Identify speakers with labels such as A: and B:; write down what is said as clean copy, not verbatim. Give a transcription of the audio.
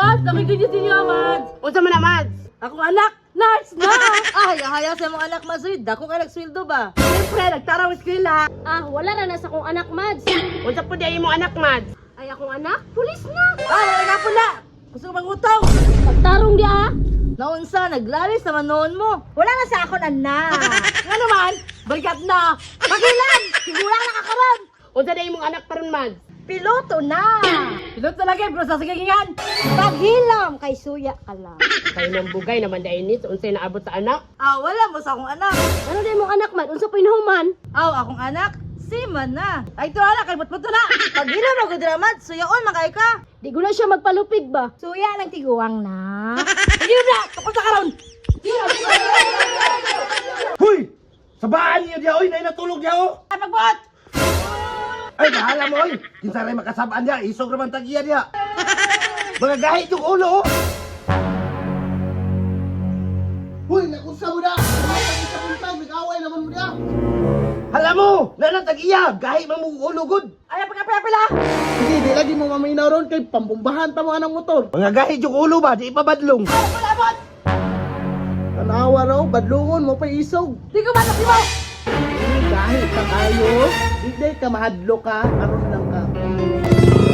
A: Mads, nakikinig niyo, Mads.
B: Unsa man na, Mads?
A: Akong anak, nurse na.
C: Ay, haya sa mong anak Masoy, dako ka nagsweldo ba?
B: Siyempre, nagtaraw eskwela.
A: Wala na sa akong anak, Mads.
B: Unsa po di imong anak, Mads?
A: Ay, akong anak, pulis na.
C: Wala nga po na! Gusto ko mangutong!
A: Pagtarong di
C: Naunsa, naglalis naman noon mo. Wala na sa akong anak.
B: Nga naman, balikat na.
C: Pagilan! Sigura na kakaroon!
B: Unsa di imong anak paron, Mads?
C: Piloto na!
B: Pilot talaga, bro, sa sigagingan.
C: Paghilam kay suya ka lang.
B: Kayo ng bugay naman dahil ni, unsay naabot sa anak.
C: Wala mo sa akong anak.
A: Ano din mong anak, Mads? Unsa pinuhuman?
C: Akong anak, si Man na. Ay, ito anak, kalbot mo to na. Paghilam ako dramat, suyaon makay ka.
A: Di ko na siya magpalupig ba?
C: Suya ng tiguang na.
B: Sige na, kapag sa karon.
D: Huy! Sabaan niyo diya, oy! Natulog diya, oh!
B: Ay, pagbuhat!
D: Ay, bahala mo, oy! Kinsa rin makasabaan diya, isog naman tagiya diya! Mga gahit yung ulo, oh! Huy! Nakunsa mo na! Nag-away naman mo diya! Hala mo! Nanang tagiya! Gahit man mong ulo, good!
B: Ay, pagkapila-pila!
E: Hindi, di lagi mo maminaw ron kay pambumbahan ta mga ng motor.
D: Mga gahit yung ulo ba? Di ipabadlong!
E: Tanawa raw, badlungon mo pa isog.
B: Di ko matak mo!
E: Dahil ka kayo, hindi ka mahadlo ka, aron lang ka.